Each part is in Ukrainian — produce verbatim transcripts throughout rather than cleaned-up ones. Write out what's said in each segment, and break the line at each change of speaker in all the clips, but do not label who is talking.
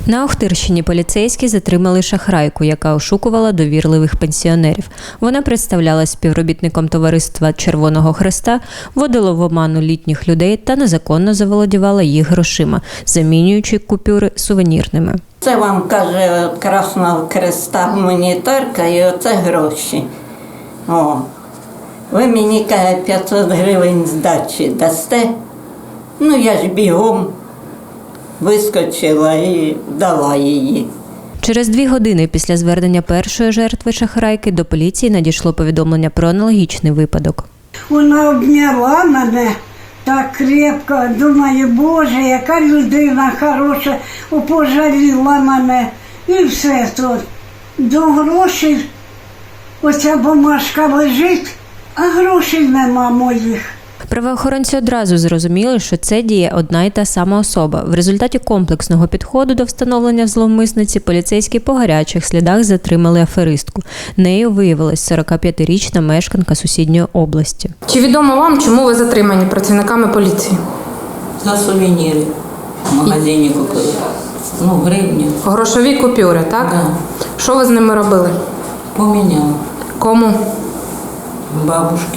На Охтирщині поліцейські затримали шахрайку, яка ошукувала довірливих пенсіонерів. Вона представлялась співробітником товариства Червоного Хреста, вводила в оману літніх людей та незаконно заволодівала їх грошима, замінюючи купюри сувенірними.
Це вам, каже, Красного Хреста гуманітарка і оце гроші. О, ви мені, каже, п'ятсот гривень здачі дасте? Ну, я ж бігом вискочила і дала її.
Через дві години після звернення першої жертви шахрайки до поліції надійшло повідомлення про аналогічний випадок.
Вона обняла мене так крепко, думаю, Боже, яка людина хороша, пожаліла мене. І все тут. До грошей оця бумажка лежить, а грошей нема моїх.
Правоохоронці одразу зрозуміли, що це діє одна й та сама особа. В результаті комплексного підходу до встановлення зловмисниці поліцейські по гарячих слідах затримали аферистку. Нею виявилась сорокап'ятирічна мешканка сусідньої області.
Чи відомо вам, чому ви затримані працівниками поліції?
За сувеніри в магазині купили. Ну, гривні.
Грошові купюри, так?
Да.
Що ви з ними робили?
Поміняла.
Кому?
Бабушки.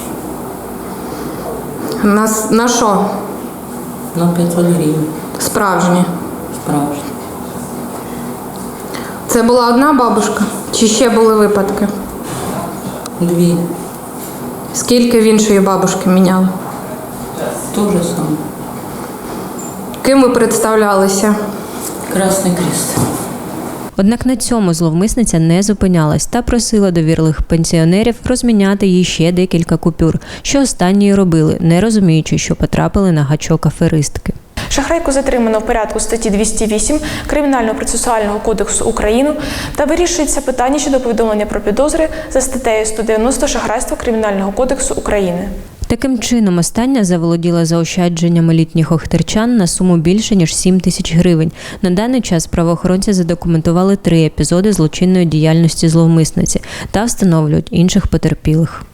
На, на що?
На п'ятсот гривень.
Справжні.
Справжні.
Це була одна бабушка? Чи ще були випадки?
Дві.
Скільки в іншої бабушки міняли?
То же саме.
Ким ви представлялися?
Красний Хрест.
Однак на цьому зловмисниця не зупинялась та просила довірливих пенсіонерів розміняти їй ще декілька купюр, що останні робили, не розуміючи, що потрапили на гачок аферистки.
Шахрайку затримано в порядку статті двісті вісім Кримінального процесуального кодексу України та вирішується питання щодо повідомлення про підозри за статтею сто дев'яносто шахрайства Кримінального кодексу України.
Таким чином, остання заволоділа заощадженнями літніх охтирчан на суму більше, ніж сім тисяч гривень. На даний час правоохоронці задокументували три епізоди злочинної діяльності зловмисниці та встановлюють інших потерпілих.